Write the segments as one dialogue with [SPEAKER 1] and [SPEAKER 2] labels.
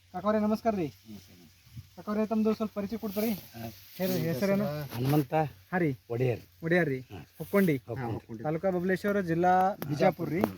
[SPEAKER 1] ಕಾಕವ್ರೆ ನಮಸ್ಕಾರ ರೀ. ಕಾಕವ್ರೆ ತಮ್ಮದು ಸ್ವಲ್ಪ ಪರಿಚಯ ಕೊಡ್ತಾರೆ ಹೇಳಿ. ಹೆಸರೇನು?
[SPEAKER 2] ಹನುಮಂತ
[SPEAKER 1] ಹಾಂ ರೀ. ಒಡೆಯರ್ ರೀ. ಹುಕ್ಕೊಂಡಿ ತಾಲೂಕಾ ಬಬಲೇಶ್ವರ, ಜಿಲ್ಲಾ ಬಿಜಾಪುರ ರೀ.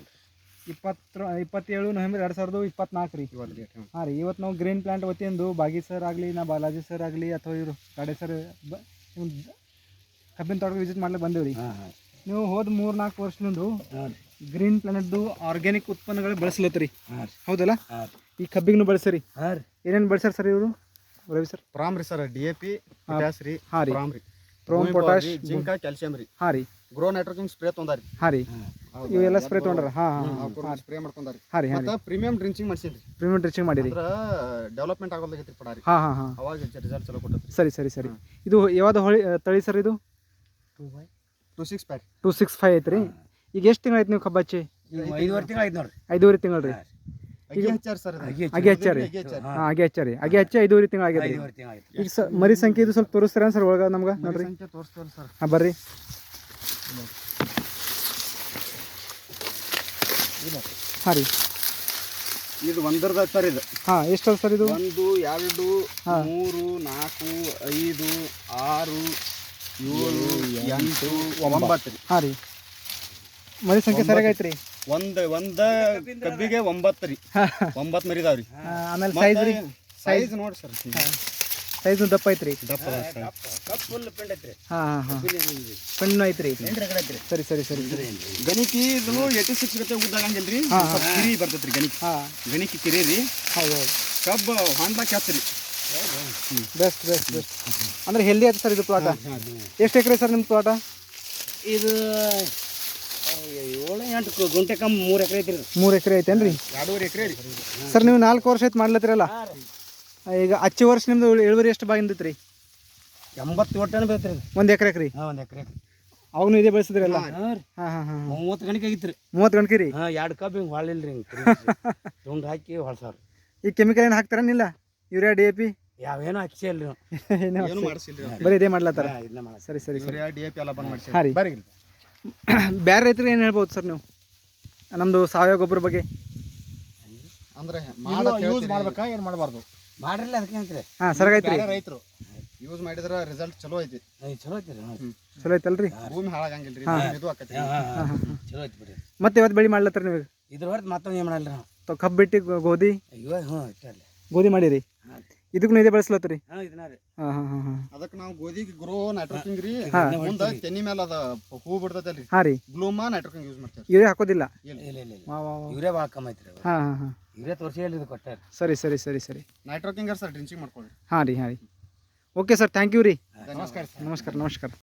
[SPEAKER 1] 27 ನವೆಂಬರ್ 2024 ರೀ. ಹಾಂ ರೀ. ಇವತ್ತು ನಾವು ಗ್ರೀನ್ ಪ್ಲಾಂಟ್ ವತಿಯಿಂದ ಬಾಗಿ ಸರ್ ಆಗಲಿ, ನಾ ಬಾಲಾಜಿ ಸರ್ ಆಗಲಿ ಅಥವಾ ಇವರು ಗಾಡೆ ಸರ್ ಕಬ್ಬಿನ ತೋಟಕ್ಕೆ ವಿಸಿಟ್ ಮಾಡ್ಲಿಕ್ಕೆ ಬಂದೇವು ರೀ. ನೀವು ಹೋದ 3-4 ವರ್ಷದಿಂದ ಗ್ರೀನ್ ಪ್ಲಾನೆಟ್ದು ಆರ್ಗ್ಯಾನಿಕ್ ಉತ್ಪನ್ನಗಳು ಬಳಸ್ಲತ್ತೀರಿ, ಹೌದಲ್ಲ? ಈ ಕಬ್ಬಿಗೂ ಬಳಸಿರಿ. ಏನೇನು ಬಳಸ್ಯಾರ ಸರ್ ಇವರು? ರವಿ ಸರ್
[SPEAKER 3] ಪ್ರಾಮ್ ರೀ ಸರ್, DAP, ಪೊಟ್ಯಾಸ್ ರೀ.
[SPEAKER 1] ಹಾಂ ರೀ.
[SPEAKER 3] ಪ್ರಾಮ್ ರೀ,
[SPEAKER 1] ಪ್ರೋಮ್, ಪೊಟ್ಯಾಶ್,
[SPEAKER 3] ಜಿಂಕ, ಕ್ಯಾಲ್ಸಿಯಂ ರೀ.
[SPEAKER 1] ಹಾಂ ರೀ.
[SPEAKER 3] ಗ್ರೋ ನೈಟ್ರೋಜನ್ ಸ್ಪ್ರೇ ತೊಂದಾರಿ.
[SPEAKER 1] ಹಾಂ ರೀ. ಇವೆಲ್ಲ ಸ್ಪ್ರೇ ತೊಗೊಂಡ್ರ? ಹಾಂ
[SPEAKER 3] ಸ್ಪ್ರೇ ಮಾಡ್ಕೊಂಡಾರಿ.
[SPEAKER 1] ಹಾಂ ರೀ.
[SPEAKER 3] ಮತ್ತೆ ಪ್ರೀಮಿಯಂ ಡ್ರಿಂಚಿಂಗ್ ಮಾಡ್ಸಿನ್ರಿ.
[SPEAKER 1] ಪ್ರೀಮಿಯಂ ಡ್ರಿಂಚಿಂಗ್ ಮಾಡಿರಿ.
[SPEAKER 3] ಅಂದ್ರೆ ಡೆವಲಪ್ಮೆಂಟ್ ಆಗೋದಾಗೈತಿ ಪಡಾರಿ.
[SPEAKER 1] ಹಾಂ
[SPEAKER 3] ಅವಾಗ ರಿಸಲ್ಟ್ ಚಲೋ ಕೊಟ್ಟೈತಿ.
[SPEAKER 1] ಸರಿ. ಇದು ಯಾವ್ದು ಹೊಳಿ ತಳಿ ಸರ್? ಇದು
[SPEAKER 3] 265
[SPEAKER 1] ಐತ್ರಿ. ಈಗ ಎಷ್ಟು ತಿಂಗಳು ಆಯ್ತು ನೀವು ಕಬ್ಬು ಹಚ್ಚಿ?
[SPEAKER 2] 5 ತಿಂಗಳು ಆಯ್ತು ನೋಡ್ರಿ.
[SPEAKER 1] 5 ತಿಂಗಳು ರೀ.
[SPEAKER 3] ಅಗಿ ಹಚ್ಚಾರಿ ಸರ್.
[SPEAKER 1] ಅಗಿ ಹಚ್ಚಾರಿ. ಅಗಿ ಹಚ್ಚಿ 5 ತಿಂಗಳು ಆಗೈತೆ. ಈಗ ಮರಿ ಸಂಖ್ಯೆ ಇದು ಸ್ವಲ್ಪ ತೋರಿಸ್ತೀರ ಸರ್ ಒಳಗೆ ನಮ್ಗೆ? ನೋಡ್ರಿ
[SPEAKER 3] ತೋರಿಸ್ತೇವೆ ಸರ್.
[SPEAKER 1] ಹಾಂ ಬರ್ರಿ. ಹಾಂ ರೀ.
[SPEAKER 3] ಇದು ಒಂದರದ ಸರ್. ಇದು
[SPEAKER 1] ಹಾಂ ಎಷ್ಟು ಸರ್ ಇದು?
[SPEAKER 3] 1 2 3 4 5 6 7 8 9 ರೀ.
[SPEAKER 1] ಹಾಂ ರೀ. ಮರಿ ಸಂಖ್ಯೆ ಸರಿಯಾಗಿ ಐತ್ರಿ.
[SPEAKER 3] ಒಂದ ಕಬ್ಬಿಗೆ 9 ರೀ. 9 ಮರಿದಾವ್ರಿ.
[SPEAKER 1] ಆಮೇಲೆ ಸೈಜ್ ರೀ?
[SPEAKER 3] ಸೈಜ್ ನೋಡಿ ಸರ್,
[SPEAKER 1] ಸೈಜ್ ದಪ್ಪ ಐತ್ರಿ.
[SPEAKER 3] ದಪ್ಪ
[SPEAKER 1] ಹಾಂ ಪಣ್ಣು ಐತ್ರಿ. ಸರಿ.
[SPEAKER 3] ಗಣಿಕಿ ಇದು 86 ಗತೆ ಉದ್ದಾಗಂಗಿಲ್ರಿ. ಕಿರಿ ಬರ್ತೈತ್ರಿ ಗಣಿಕಿ. ಗಣಿಕಿ ಕಿರಿ ರೀ.
[SPEAKER 1] ಹೌದು.
[SPEAKER 3] ಕಬ್ಬು ಹೊಂಡ ಕೆತ್ತರಿ.
[SPEAKER 1] ಬೆಸ್ಟ್ ಅಂದ್ರೆ ಹೆಲ್ದಿ ಆಯ್ತು ಸರ್ ಇದು ಪ್ಲಾಟ. ಎಷ್ಟು ಎಕರೆ ಸರ್ ನಿಮ್ಮ ಪ್ಲಾಟ?
[SPEAKER 2] ಇದು 7-8 ಗುಂಟೆ ಕಮ್ಮಿ 3 ಎಕರೆ ಐತ್ರಿ.
[SPEAKER 1] 3 ಎಕರೆ ಐತೇನ್ರಿ?
[SPEAKER 3] 2.5 ಎಕರೆ ರೀ
[SPEAKER 1] ಸರ್. ನೀವು 4 ವರ್ಷ ಆಯ್ತು ಮಾಡ್ಲತ್ತಿರಲ್ಲ. ಈಗ ಹಚ್ಚಿ ವರ್ಷ ನಿಮ್ದು ಇಳುವರಿ ಎಷ್ಟು ಬಾಗಿಂದೈತ್ರಿ?
[SPEAKER 2] 80 ಒಟ್ಟನ ಬರ್ತೈತ್ರಿ.
[SPEAKER 1] 1 ಎಕರೆ ರೀ?
[SPEAKER 2] 1 ಎಕರೆ.
[SPEAKER 1] ಅವಾಗೂ ಇದೇ ಬೆಳೆಸಿದ್ರಲ್ಲ?
[SPEAKER 2] ಹಾಂ 30 ಗಣಿಕೆ ಆಗಿತ್ರಿ.
[SPEAKER 1] 30 ಗಂಟೆ ರೀ?
[SPEAKER 2] 2 ಕಬ್ಬು ಹಿಂಗೆ ಹೊಳಿಲ್ರಿ, ಹಿಂಗೆ ತುಂಡು ಹಾಕಿ ಹೊಳ್ಸಾರ.
[SPEAKER 1] ಈ ಕೆಮಿಕಲ್ ಏನು ಹಾಕ್ತಾರೇನಿಲ್ಲ? ಯೂರಿಯಾ, DAP
[SPEAKER 2] ಯಾವೇನೋ ಹಚ್ಚಿ ಅಲ್ರಿ
[SPEAKER 3] ಏನು ಮಾಡಿಸಿಲ್ರಿ.
[SPEAKER 1] ಬರೀ ಇದೇ ಮಾಡ್ಲತ್ತಾರ? ಸರಿ.
[SPEAKER 3] ಯೂರಿಯಾ, DAP ಎಲ್ಲ ಬಂದ್ ಮಾಡಿಸಿ.
[SPEAKER 1] ಹಾಂ ರೀ. ಬೇರೆ ರೈತರಿಗೆ ಏನು ಹೇಳ್ಬೋದು ಸರ್ ನೀವು ನಮ್ಮದು ಸಾವಯವ ಗೊಬ್ಬರ ಬಗ್ಗೆ?
[SPEAKER 3] ಅಂದ್ರೆ ಯೂಸ್ ಮಾಡ್ಬೇಕಾ ಏನು ಮಾಡಬಾರ್ದು?
[SPEAKER 2] ಮಾಡ್ರಲ್ಲ ಅದಕ್ಕೆ ಅಂತ್ರಿ.
[SPEAKER 1] ಹಾಂ ಸರಿಯಾಗೈತ್ರಿ.
[SPEAKER 3] ರೈತರು ಯೂಸ್ ಮಾಡಿದ್ರೆ ರಿಸಲ್ಟ್ ಚಲೋ ಐತಿ.
[SPEAKER 2] ಚಲೋ ಐತ್ರಿ.
[SPEAKER 1] ಚಲೋ ಐತಲ್ರಿ?
[SPEAKER 3] ಭೂಮಿ ಹಾಳಾಗಂಗಿಲ್ರಿ. ಇದು ಆಕತಿ.
[SPEAKER 2] ಚಲೋ ಐತಿ ಬಿಡ್ರಿ.
[SPEAKER 1] ಮತ್ತೆ ಇವತ್ತು ಬೆಳೆ ಮಾಡ್ಲತ್ತಾರ ನೀವು?
[SPEAKER 2] ಇದ್ರ ಹೊರತು ಮತ್ತೊಂದು ಏನು ಮಾಡಲ್ರಿ ನಾವು.
[SPEAKER 1] ಕಬ್ಬು ಬಿಟ್ಟು ಗೋಧಿ
[SPEAKER 2] ಇಟ್ಟಲ್ಲ
[SPEAKER 1] ಗೋಧಿ ಮಾಡಿರಿ. ಇದಕ್ಕೂ ಇದೇ ಬೆಳೆಸ್ಲತ್ತೀರಿ?
[SPEAKER 2] ಇದನ್ನ ರೀ.
[SPEAKER 1] ಹಾಂ
[SPEAKER 3] ಅದಕ್ಕೆ ನಾವು ಗೋಧಿಗೆ ಗ್ರೋ ನೈಟ್ರೋಕಿಂಗ್ ರೀ. ಮುಂದೆ ತೆನಿ ಮೇಲೆ ಅದ ಹೂ ಬಿಡ್ತೈತಲ್ರಿ.
[SPEAKER 1] ಹಾಂ ರೀ.
[SPEAKER 3] ಗ್ಲೂಮಾ ನೈಟ್ರೋಕಿಂಗ್ ಯೂಸ್ ಮಾಡ್ತೇವೆ.
[SPEAKER 1] ಯೂರಿಯಾ ಹಾಕೋದಿಲ್ಲ?
[SPEAKER 2] ಇಲ್ಲ ಯೂರಿಯಾ ಭಾಳ ಕಮ್ಮಿ ಐತ್ರಿ.
[SPEAKER 1] ಹಾಂ
[SPEAKER 2] ಯೂರಿಯಾ ತೋರಿಸಿ ಹೇಳಿ ಕೊಟ್ಟಾರ.
[SPEAKER 1] ಸರಿ.
[SPEAKER 3] ನೈಟ್ರೋಕಿಂಗ್ ಸರ್ ಡ್ರಿಂಚಿಂಗ್ ಮಾಡ್ಕೊಳ್ಳಿ.
[SPEAKER 1] ಹಾಂ ರೀ. ಓಕೆ ಸರ್, ಥ್ಯಾಂಕ್ ಯು ರೀ.
[SPEAKER 3] ನಮಸ್ಕಾರ.
[SPEAKER 1] ನಮಸ್ಕಾರ.